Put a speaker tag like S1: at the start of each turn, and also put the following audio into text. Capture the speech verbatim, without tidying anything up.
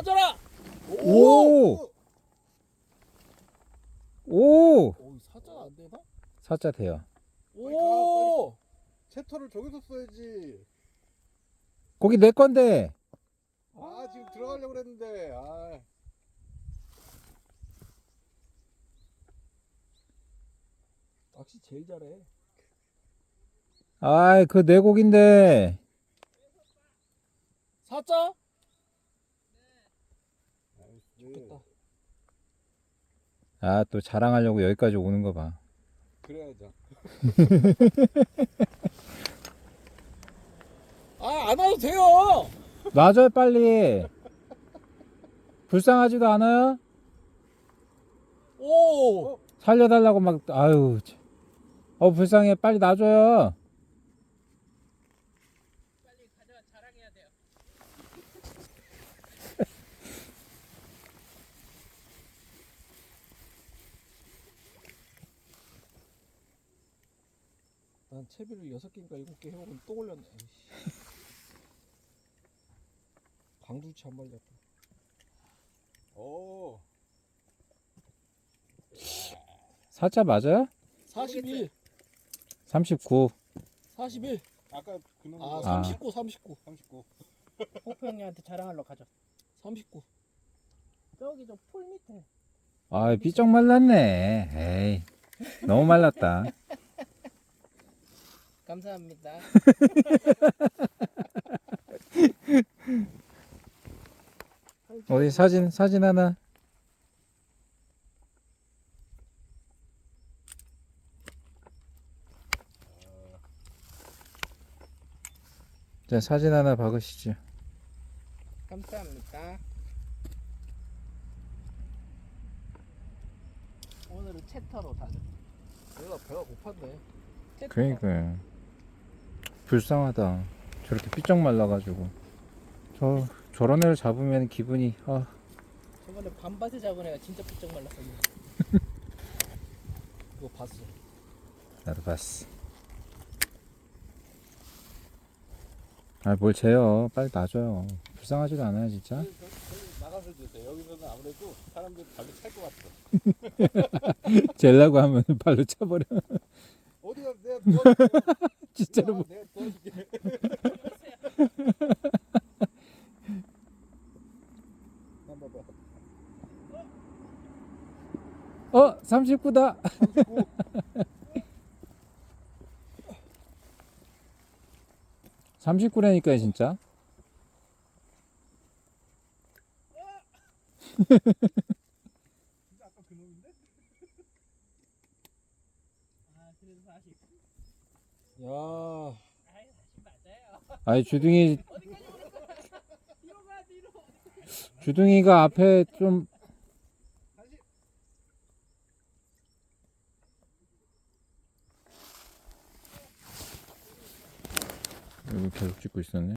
S1: 맞아라.
S2: 오! 오!
S1: 오, 사자가 안 되나?
S2: 사자 돼요.
S1: 오!
S3: 채터를 저기서 써야지.
S2: 거기 내 건데.
S3: 아, 지금 들어가려고 그랬는데. 아.
S1: 낚시 제일 잘해.
S2: 아이, 그 내 고기인데.
S1: 사자?
S3: 좋겠다.
S2: 아, 또 자랑하려고 여기까지 오는 거 봐.
S3: 그래야죠.
S1: 아, 안 와도 돼요.
S2: 놔줘요, 빨리. 불쌍하지도 않아요?
S1: 오!
S2: 살려달라고 막, 아유. 참. 어, 불쌍해. 빨리 놔줘요.
S4: 빨리 가져와 자랑해야 돼요.
S1: 난 채비를 여섯 개인가 일곱 개 해먹으면 또 걸렸네. 에이씨. 광두치 한 마리 잡고.
S3: 오.
S2: 사자 맞아요?
S1: 사십일,
S2: 삼십구.
S1: 사십일.
S3: 아까 그놈
S1: 아,
S2: 아.
S1: 삼십구, 삼십구,
S3: 삼십구.
S4: 호프 형님한테 자랑하러 가죠.
S1: 삼십구.
S4: 저기 저 풀 밑에.
S2: 아, 삐쩍 말랐네. 에이. 너무 말랐다.
S4: 감사합니다.
S2: 어디 사진, 사진 하나. 자, 사진 하나 박으시죠.
S4: 감사합니다. 오늘은 채터로 다.
S1: 내가 배가 고팠네.
S4: 채터.
S2: 그러니까요. 불쌍하다. 저렇게 삐쩍 말라가지고. 저, 저런 애를 잡으면 기분이, 아.
S4: 저번에 밤밭에 잡은 애가 진짜 부쩍 말랐었는데.
S1: 그거 봤어.
S2: 나도 봤어. 아, 뭘 재요. 빨리 놔줘요. 불쌍하지도 않아요, 진짜.
S3: 나가서 주세요. 여기서는 아무래도 사람들 발로 찰 것 같아.
S2: 젤라고 하면 발로 차버려.
S3: 어디가 내가 도와줄게.
S2: 진짜로. 뭐-
S3: 내가 도와줄게. 한번 봐.
S2: 어, 삼십구다.
S3: 삼십구.
S2: 삼십구라니까요, 진짜.
S3: 진짜 아까 그놈인데?
S4: 아 그래도 사십.
S1: 야,
S4: 아이 사십 맞아요.
S2: 아니, 주둥이,
S4: 어디까지 오는 거야? 뒤로 가 뒤로.
S2: 주둥이가 앞에 좀, 여기 계속 찍고 있었네.